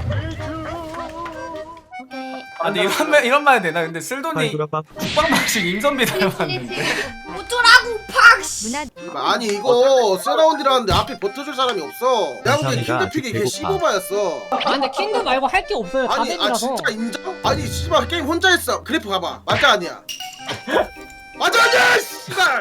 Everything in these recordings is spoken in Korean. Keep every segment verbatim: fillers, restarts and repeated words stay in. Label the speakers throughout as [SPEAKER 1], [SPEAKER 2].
[SPEAKER 1] 오케이.
[SPEAKER 2] 아 근데 이런 말 이런 말 해도 되나? 근데 쓸돈이 국방 방식 임선비 닮았는데.
[SPEAKER 1] 어쩌라고 팍. 누나
[SPEAKER 3] 아니 이거 세라운드라는데 앞에 버텨줄 사람이 없어. 내가 보기엔
[SPEAKER 4] 감사합니다.
[SPEAKER 3] 킹드픽이 걔
[SPEAKER 4] 배고파.
[SPEAKER 3] 십오바였어.
[SPEAKER 5] 아 근데 킹드 말고 할 게 없어요. 다
[SPEAKER 3] 아니 아
[SPEAKER 5] 뱀이라서.
[SPEAKER 3] 진짜 인정? 아니 씨발 게임 혼자 했어. 그래프 봐봐. 맞아 아니야? 맞아 아니야 씨발.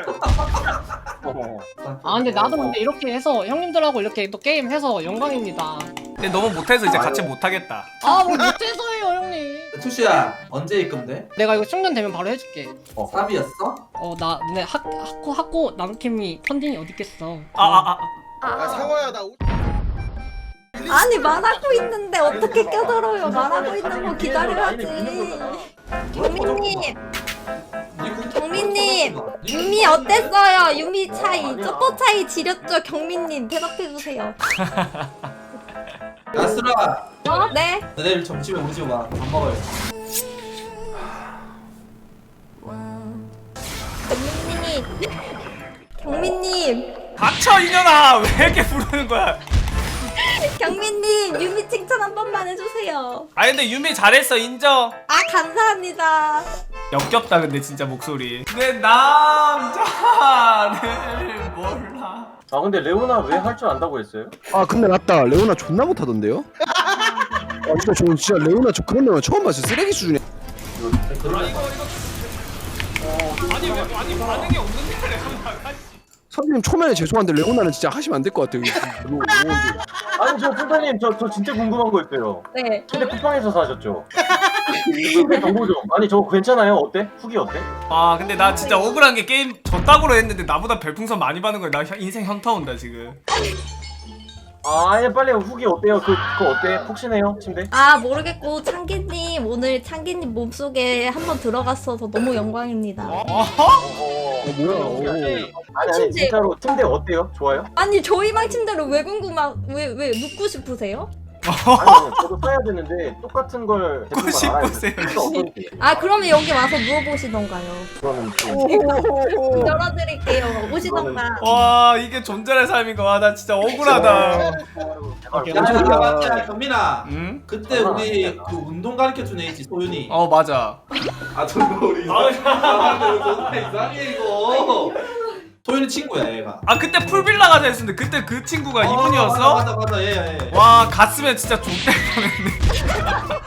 [SPEAKER 5] 아 근데 나도 근데 이렇게 해서 형님들하고 이렇게 또 게임 해서 영광입니다.
[SPEAKER 2] 근데 너무 못해서 이제 같이 못하겠다.
[SPEAKER 5] 아 뭐 못해서예요 형님.
[SPEAKER 6] 투시야 언제 입금돼?
[SPEAKER 5] 내가 이거 충전되면 바로 해줄게.
[SPEAKER 6] 어 삽이었어?
[SPEAKER 5] 어나 근데 학 학고 학고 남캠이 펀딩이 어디 있겠어.
[SPEAKER 2] 아아 아.
[SPEAKER 3] 아 상호야 나. 오-
[SPEAKER 1] 아니 말하고 있는데 어떻게 껴들어요? 말하고 있는 거 기다려야지. 경민님, 경민님, 유미 어땠어요? 유미 차이, 쪼꼬 차이 지렸죠? 경민님 대답해 주세요.
[SPEAKER 6] 야스라
[SPEAKER 1] 어? 네.
[SPEAKER 6] 내일 점심에 우리 집 와. 밥 먹어요.
[SPEAKER 1] 경민님, 경민님,
[SPEAKER 2] 닥쳐 이년아 왜 이렇게 부르는 거야?
[SPEAKER 1] 경민님 유미 칭찬 한 번만 해주세요.
[SPEAKER 2] 아 근데 유미 잘했어 인정.
[SPEAKER 1] 아 감사합니다.
[SPEAKER 2] 역겹다 근데 진짜 목소리. 내 남자를 몰라.
[SPEAKER 7] 아 근데 레오나 왜 할 줄 안다고 했어요?
[SPEAKER 4] 아 근데 맞다 레오나 존나 못하던데요? 아 진짜 저 진짜 레오나 저 그런 레오나 처음 봤어요. 쓰레기 수준이야.
[SPEAKER 2] 아 이거 이거. 어 아니 왜 아니 반응이 없는데 레오나가.
[SPEAKER 4] 선생님 초면에 죄송한데 레오나는 진짜 하시면 안 될 것 같아요. 이거
[SPEAKER 7] 아니 저 푼타님 저, 저 진짜 궁금한 거 있어요.
[SPEAKER 1] 네.
[SPEAKER 7] 근데 쿠팡에서 사셨죠? 후기 정보 좀. 아니 저거 괜찮아요? 어때? 후기 어때?
[SPEAKER 2] 아 근데 나 진짜 억울한 게 게임 저따구로 했는데 나보다 별풍선 많이 받는 거야. 나 현- 인생 현타 온다 지금.
[SPEAKER 7] 아 아니 빨리 후기 어때요? 그, 그거 어때? 푹신해요? 침대?
[SPEAKER 1] 아 모르겠고 창기님 오늘 창기님 몸속에 한번 들어갔어서 너무 영광입니다.
[SPEAKER 2] 어허?
[SPEAKER 7] 어,
[SPEAKER 4] 어, 뭐야, 오.
[SPEAKER 7] 아니 아니 진짜로 침대 어때요? 좋아요?
[SPEAKER 1] 아니 저희 방 침대를 왜 궁금하 왜왜 묻고 싶으세요?
[SPEAKER 7] 아니 저도 써야 되는데 똑같은 걸
[SPEAKER 2] 묻고
[SPEAKER 7] 대부분 알아야
[SPEAKER 2] 싶으세요,
[SPEAKER 7] 돼요. 어떤지.
[SPEAKER 1] 아 그러면 여기 와서 물어보시던가요.
[SPEAKER 7] 그거는 좀
[SPEAKER 1] 열어드릴게요. 오시던가.
[SPEAKER 2] 와 이게 존잘의 삶인가. 와 나 진짜 억울하다.
[SPEAKER 7] 제발
[SPEAKER 6] 야 맞다 맞다 경민아.
[SPEAKER 2] 응?
[SPEAKER 6] 그때 우리 그 운동 가르쳐준 애 있지 소윤이.
[SPEAKER 2] 어 맞아.
[SPEAKER 6] 아 저거 우리 이상해. 아 근데 존나 이상해 이거. 소윤이 친구야 얘가.
[SPEAKER 2] 아 그때 풀빌라 가자 했었는데 그때 그 친구가 이분이었어?
[SPEAKER 6] 맞아 맞아 맞아 얘 얘.
[SPEAKER 2] 와 갔으면 진짜 족될 뻔했네.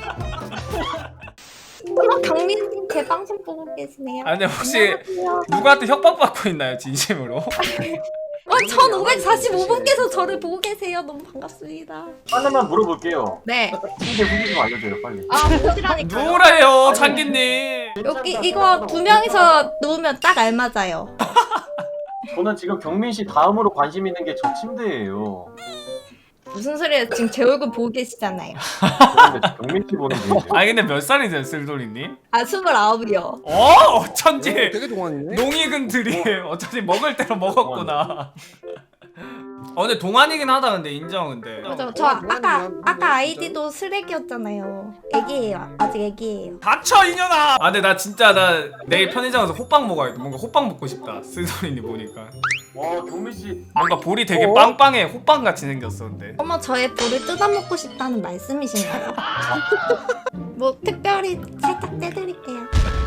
[SPEAKER 1] 그럼 경민님 제 방송 보고 계시네요.
[SPEAKER 2] 아 근데 혹시
[SPEAKER 1] 안녕하세요.
[SPEAKER 2] 누구한테 협박받고 있나요 진심으로?
[SPEAKER 1] 어, 천오백사십오 분께서 저를 보고 계세요. 너무 반갑습니다.
[SPEAKER 7] 하나만 물어볼게요.
[SPEAKER 1] 네.
[SPEAKER 7] 침대 후기 좀 알려줘요 빨리.
[SPEAKER 1] 아 보시라니까요.
[SPEAKER 2] 누구래요 창기님?
[SPEAKER 1] 여기 이거 두 명이서 누우면 딱 알맞아요.
[SPEAKER 7] 저는 지금 경민 씨 다음으로 관심 있는 게 저 침대예요.
[SPEAKER 1] 무슨 소리예요? 지금 제 얼굴 보고 계시잖아요.
[SPEAKER 7] 근데 경민 씨 보는 중이에요.
[SPEAKER 2] 아니 근데 몇 살이세요 쓸돌이님?
[SPEAKER 1] 아 스물아홉이요.
[SPEAKER 2] 어? 어쩐지
[SPEAKER 4] 되게 동안이네.
[SPEAKER 2] 농익은 들이 어쩐지 먹을 대로 먹었구나. 어 근데 동안이긴 하다 근데 인정 근데.
[SPEAKER 1] 맞아. 저 아까 아까 아이디도 쓰레기였잖아요. 애기예요. 아직 애기예요.
[SPEAKER 2] 닥쳐 이년아! 아 근데 나 진짜 나 내일 편의점 가서 호빵 먹어야겠다. 뭔가 호빵 먹고 싶다 쓸돌이님 보니까.
[SPEAKER 7] 와 경민 씨.
[SPEAKER 2] 뭔가 볼이 되게 빵빵해. 호빵 같이 생겼어 근데.
[SPEAKER 1] 어머 저의 볼을 뜯어먹고 싶다는 말씀이신가요? 뭐 특별히 살짝 떼드릴게요.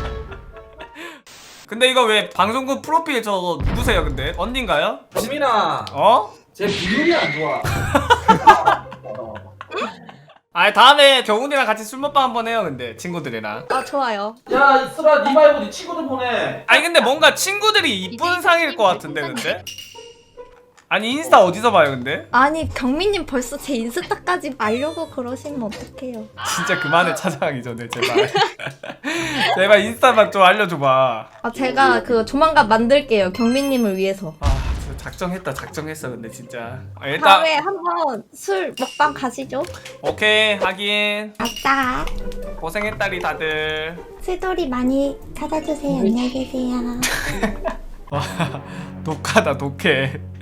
[SPEAKER 2] 근데 이거 왜 방송국 프로필 저거 누구세요 근데? 언니인가요?
[SPEAKER 6] 경민아.
[SPEAKER 2] 어?
[SPEAKER 6] 제 비율이 안 좋아.
[SPEAKER 2] 아 다음에 경훈이랑 같이 술 먹방 한번 해요 근데 친구들이랑.
[SPEAKER 1] 아 좋아요.
[SPEAKER 6] 야 이슬아 니 말고 니 친구들 보내.
[SPEAKER 2] 아니 근데 뭔가 친구들이 이쁜 상일 것 같은데 근데? 아니 인스타 어디서 봐요 근데?
[SPEAKER 1] 아니 경민님 벌써 제 인스타까지 알려고 그러시면 어떡해요.
[SPEAKER 2] 진짜 그만해 찾아가기 전에 제발. 제발 인스타만 좀 알려줘봐.
[SPEAKER 1] 아 제가 그 조만간 만들게요. 경민님을 위해서.
[SPEAKER 2] 아 진짜 작정했다 작정했어 근데 진짜. 아, 일단
[SPEAKER 1] 다음에 한번 술 먹방 가시죠.
[SPEAKER 2] 오케이 하긴.
[SPEAKER 1] 아싸.
[SPEAKER 2] 고생했다리 다들.
[SPEAKER 1] 술돌이 많이 찾아주세요. 안녕히 계세요.
[SPEAKER 2] 와 독하다 독해.